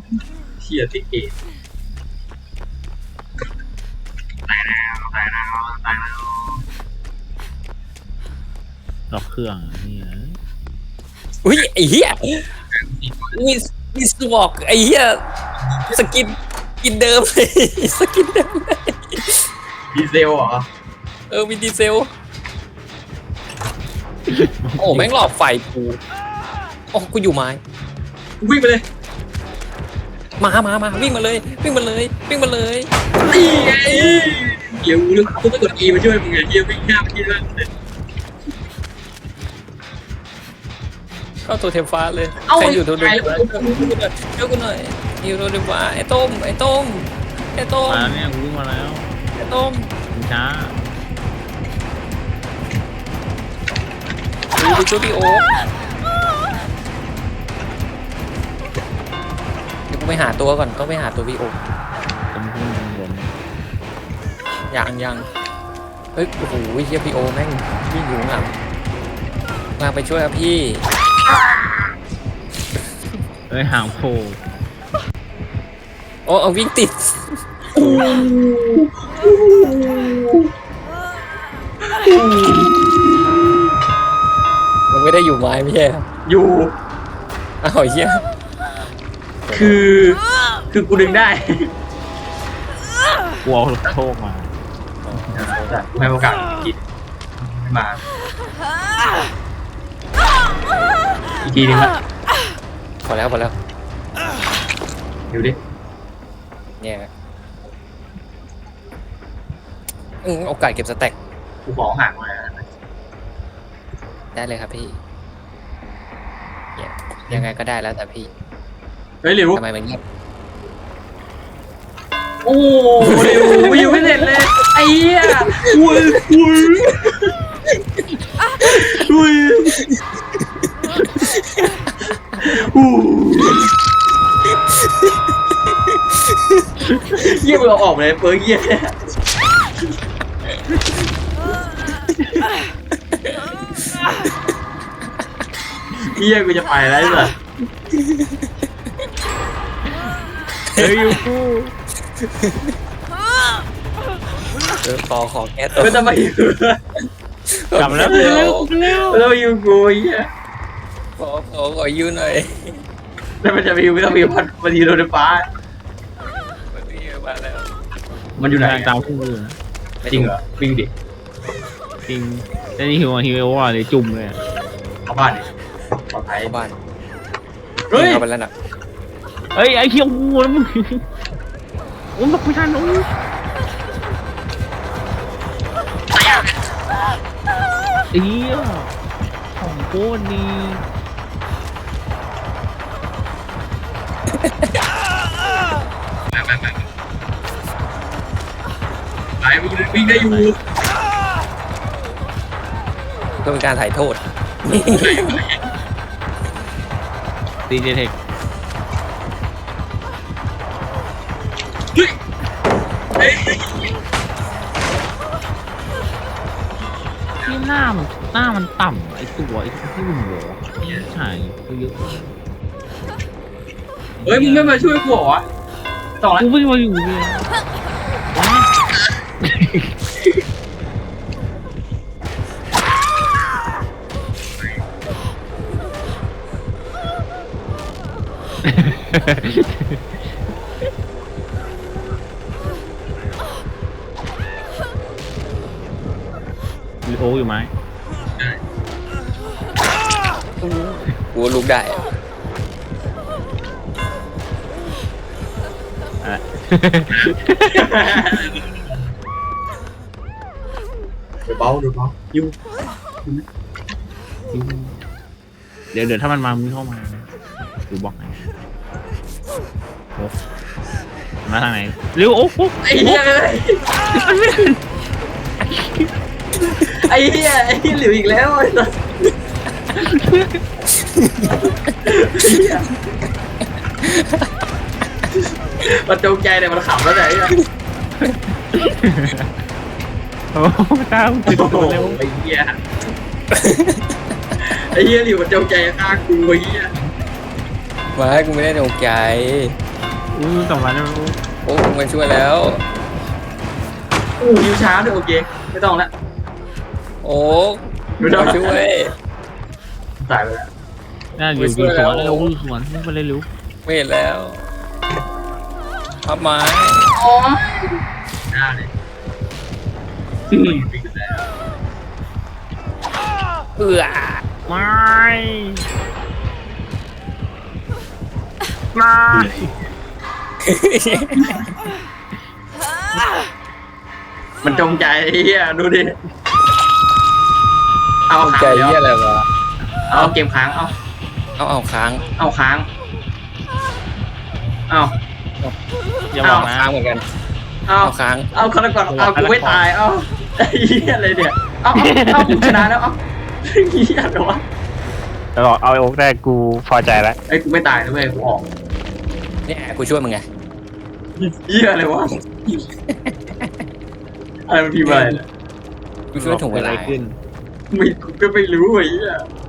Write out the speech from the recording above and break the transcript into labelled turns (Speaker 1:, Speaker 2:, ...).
Speaker 1: เชียร์ที่เกตตายแล้วตายแล้วตายแล้ว
Speaker 2: ล็อกเครื่องนี่นะ
Speaker 3: อุ้ยไอ้เหี้ยมีสวอกไอ้เหี้ยสกินเดิมเลยสกินเดิมเลย
Speaker 1: ดีเซลเหรอ
Speaker 3: มีดีเซลโอ้แม่งหลอกไฟกูโอ้กูอยู่ไม้
Speaker 1: วิ่งไปเลย
Speaker 3: มาวิ่งมาเลยวิ่งมาเลย
Speaker 1: นี่ไงเดี๋ยวกูต้องกด E มาช่วยมึงไงเฮียวิ่งหน้าไปที่นั่น
Speaker 3: เข้าตัวเทมฟ้าเลยใครอยู่ตัวเทมฟ้าช่วยกูหน่อยอยู่ตัวเทมฟ้าไอ้ต้ม
Speaker 2: มาแล้วเนี่ยกูวิ่งมาแล้ว
Speaker 3: ไอ้ต้ม
Speaker 2: ช้า
Speaker 3: ไปช่วยพี่โอ๊คเดี๋ยวกูไปหาตัวก่อนต้องไปหาตัวพี่โอ๊ค
Speaker 2: ตรงขึ้นบน
Speaker 3: ยังเฮ้ยโอ้โหเฮียพี่โอ๊คแม่งวิ่งอยู่ข้างหลังมาไปช่วยครับพี่
Speaker 2: เอ้ยห่างโผล่
Speaker 3: โอ้เอาวิ่งติดมันไม่ได้อยู่ไม้ไม่ใช่ครับ
Speaker 1: อยู่
Speaker 3: อ้าวเฮีย
Speaker 1: คือกูดึงได้
Speaker 2: กลัวโชคมา
Speaker 1: กูให้โอกาสกินมาอีกทีนึงละ
Speaker 3: พอแล้ว
Speaker 1: ดูดิ
Speaker 3: เนี่ยโอกาสเก็บสแต็ก
Speaker 1: กูขอห่างมา
Speaker 3: ได้เลยครับพี่เนี่ยยังไงก็ได้แล้วแต่พี่
Speaker 1: เฮ้ยเร็ว
Speaker 3: ทำไมมันเงียบ
Speaker 1: โอ้เร็ววิวไม่เสร็จเลยไอ้เหี้ยอุ้ยเยี่ยมเราออกเลยเปิร์กเยี่ยเยี่ยกูจะไปแล้วเหรอ
Speaker 2: เฮ้ยยูฟู
Speaker 3: ขอแก้ตัว
Speaker 1: ไม่ต้องมาอยู่
Speaker 2: กลับแล้ว
Speaker 1: ไม่ต้องมาอยู่กูเยี่ย
Speaker 3: ขอยืนหน่อย
Speaker 1: แล้วมันจะมีไม่ต้องมีมันอยู่รถไฟฟ้า
Speaker 3: มาแล้ว
Speaker 1: มันอยู่ไหน
Speaker 2: ตามคู่มือนะ
Speaker 1: จริงเหรอวิ่งดิ
Speaker 2: จริงแต่นี่ฮิวว่าเลยจุ่มเลย
Speaker 1: เข้าบ้านดิปลอดภัย
Speaker 3: เข้าบ้าน
Speaker 1: เฮ้ย
Speaker 3: เข้าไปแล้วนะ
Speaker 2: เอ้ยไอ้เขี้ยวงูแล้วมึงโอ้ยไม่ทันโอ้ยเอี้ยของโคตรดี
Speaker 1: ไปวิ่งได้อยู่
Speaker 3: ก็เป็นการถ่ายโทษ
Speaker 2: ดีเจเทค
Speaker 1: เฮ้ย
Speaker 2: ที่หน้ามันต่ำไอ้ตัวไอ้ที่มันหัวใช่เยอะ
Speaker 1: เฮ้ยมึงไม่มาช่วยกูเหรอต่อแล้ว
Speaker 2: กูไม่มาอยู่เลยมีโออยู่ไหม
Speaker 3: กูลุกได้
Speaker 2: อ่ะ
Speaker 1: เดี๋ยวเบาอยู่
Speaker 2: เดี๋ยวถ้ามันมามึงเข้ามาดูบล็อกไหนโอ้มาทางไหนเร็วโอ้โห
Speaker 1: ไอ้เหี้ยไอ้เหี้ยหลิวอีกแล้วไอ้สัสมันจงใจเนี่ยมันขำแล้วไหนอ่ะ
Speaker 2: โอ้ตามติดตัวเร็ว
Speaker 1: ไอ้เหี้ยหลิวมันจงใจฆ่ากูไอ้เหี้ย
Speaker 3: มาให้กูไม่ได้ตกใจ
Speaker 2: กลับมาแล้ว
Speaker 3: โอ้มาช่วยแล้ว
Speaker 1: ยิวช้าด้วยโอเคไม่ต้องละ
Speaker 3: โอ้
Speaker 1: ไม่ต้อง
Speaker 3: มาช่วย
Speaker 1: ตายไปแล้ว
Speaker 2: น่าอยู่สวนเลยโอ้สวนไม่ไปเลยรู้
Speaker 3: ไม่เห็นแล้วพับไม้
Speaker 1: โอ้ยหน้าเลยวิ่งแล้ว
Speaker 3: เอื้อ
Speaker 2: ไม่ไม่
Speaker 1: มันจงใจไอ้เฮียดูดิเอา
Speaker 3: ใจ
Speaker 1: ค้าง
Speaker 3: เหี้ยอะไรวะ
Speaker 1: เอาเกมค้างเอา
Speaker 3: เอาค้าง
Speaker 1: เอาค้างเอา
Speaker 2: อย่าบอกนะ
Speaker 3: ค้างเหมือนกัน
Speaker 1: เอา
Speaker 3: เอาค้าง
Speaker 1: เอาคนละก่อนเอากูไม่ตายเอาไอ้เหี้ยอะไรเนี่ยเอากูชนะแล้วเอาเหี้ยอะไรวะ
Speaker 4: แล้วบอกเอาไอ้โอ๊กได้กูพอใจแล้ว
Speaker 1: ไอ้กูไม่ตายนะเว้ยกูออก
Speaker 3: เนี่ยกูช่วยมึงไง
Speaker 1: เหี้ยอะไรวะอะไรมันพิมพ์อะไรเนี่ย
Speaker 3: กูช่วยถ่วงเวลา
Speaker 2: กิดอะไรขึ้น
Speaker 1: ไม่กูก็ไม่รู้ไอ้เหี้ย